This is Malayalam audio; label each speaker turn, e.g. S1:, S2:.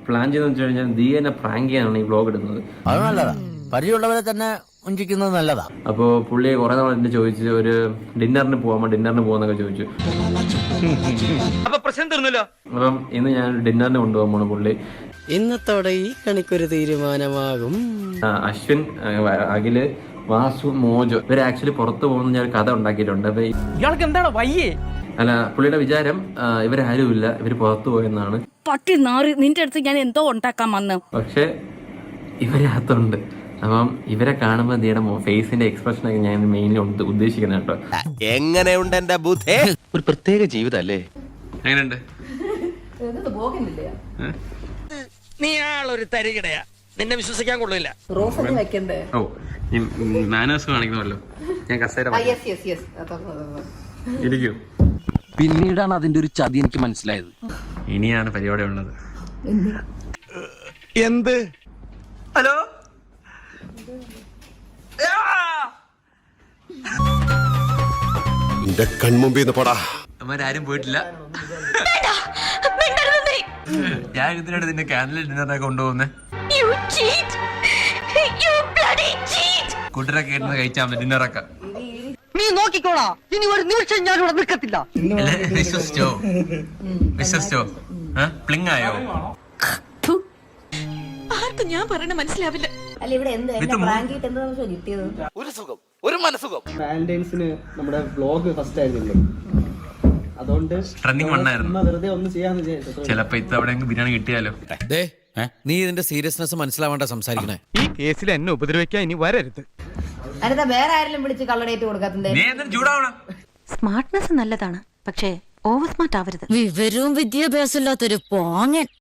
S1: പ്ലാൻ ചെയ്തെന്ന് വെച്ച് കഴിഞ്ഞാൽ ദിയനെ പ്രാങ്ക് ചെയ്യാനാണ് ഈ വ്ലോഗ് ഇടുന്നത്.
S2: അത് നല്ലതാ, പരിചയമുള്ളവരെ തന്നെ ഉഞ്ചിക്കുന്നത് നല്ലതാ.
S1: അപ്പോൾ പുള്ളി കുറെ നാൾ എന്നെ ചോദിച്ചു ഒരു ഡിന്നറിന് പോകാന്നൊക്കെ ചോദിച്ചു.
S3: അപ്പൊ പ്രശ്നം തീർന്നല്ലോ.
S1: അപ്പം ഇന്ന് ഞാൻ ഡിന്നറിന് കൊണ്ടുപോകാൻ പോണു. പുള്ളി
S4: ഇന്നത്തോടെ ഈ കണിക്കൊരു തീരുമാനമാകും.
S1: അശ്വിൻ, അഖില്, വാസു, മോജോ ഇവർ ആക്ച്വലി പുറത്തു പോകുന്ന ഞാൻ കഥ ഉണ്ടാക്കിയിട്ടുണ്ട്. അപ്പൊ
S3: ഇയാൾക്ക് എന്താണ് വയ്യേ?
S1: അല്ല, പുള്ളിയുടെ വിചാരം ഇവരാരുമില്ല, ഇവര് പുറത്തു പോയെന്നാണ്.
S5: പട്ടി നാറി, നിന്റെ അടുത്ത് ഞാൻ എന്തോ ഉണ്ടാക്കാൻ വന്ന്.
S1: പക്ഷെ ഇവരകത്തുണ്ട്. അപ്പം ഇവരെ കാണുമ്പോൾ ദിയുടെ ഫേസിന്റെ എക്സ്പ്രഷൻ ഒക്കെ ഞാൻ മെയിൻലി ഉദ്ദേശിക്കുന്നത് കേട്ടോ.
S2: എങ്ങനെയുണ്ട് എന്റെ ബുദ്ധി?
S6: ഒരു പ്രത്യേക ജീവിതല്ലേ.
S1: എങ്ങനെയുണ്ട്?
S3: നീ ആളൊരു തരികിടയാ, നിന്നെ വിശ്വസിക്കാൻ കൊള്ളില്ല.
S1: ഓ, മാനേഴ്സ് കാണിക്കണമല്ലോ. ഞാൻ കസേര ഇരിക്കൂ.
S6: പിന്നീടാണ് അതിന്റെ ഒരു ചതി എനിക്ക് മനസ്സിലായത്.
S1: ഇനിയാണ് പരിപാടി ഉള്ളത്.
S6: എന്ത്?
S3: ഹലോ,
S7: എന്റെ കൺമുമ്പിൽ പോടാ.
S1: അവന്മാരും പോയിട്ടില്ല. ഞാൻ ഇതിനായിട്ട് നിന്റെ ക്യാൻഡിൽ ഡിന്നറിനൊക്കെ കൊണ്ടുപോകുന്നേ. കൂട്ടരൊക്കെ ഇരുന്ന് കഴിച്ചാൽ മതി ഡിന്നറൊക്കെ.
S4: നീ നോക്കിക്കോളാ, ഇനി ഒരു നിമിഷം ഞാൻ ഇവിടെ നിൽക്കത്തില്ല.
S1: വിശ്വസിച്ചോ? പ്ലിങ് ആയോ?
S5: ആർക്കും ഞാൻ പറയണ മനസ്സിലാവില്ല.
S2: ഒരു സുഖം, ഒരു മനസുഖം.
S8: വാലന്റൈൻസിന് നമ്മുടെ വ്ലോഗ് ഫസ്റ്റ് ആയിരുന്നില്ലേ, അതുകൊണ്ട്
S1: ട്രെൻഡിങ് വണ്ണായിരുന്നു.
S8: വെറുതെ ഒന്ന് ചെയ്യാന്ന് വിചാരിച്ചു.
S1: ചിലപ്പോ ഇത്തവണ ബിരിയാണി കിട്ടിയാലോ.
S2: നീ ഇതിന്റെ സീരിയസ്നെസ് മനസ്സിലാവേണ്ട സംസാരിക്കണേ.
S6: ഈ കേസിൽ എന്നെ ഉപദ്രവിക്കാൻ ഇനി വരരുത്.
S9: വേറെ ആരെങ്കിലും വിളിച്ച് കള്ളടേറ്റ് കൊടുക്കാത്തത്
S1: നീ എന്തിനും ചൂടാവണം?
S5: സ്മാർട്ട്നെസ് നല്ലതാണ്, പക്ഷേ ഓവർ സ്മാർട്ട് ആവരുത്.
S9: വിവരവും വിദ്യാഭ്യാസം ഇല്ലാത്തൊരു പോങ്ങൻ.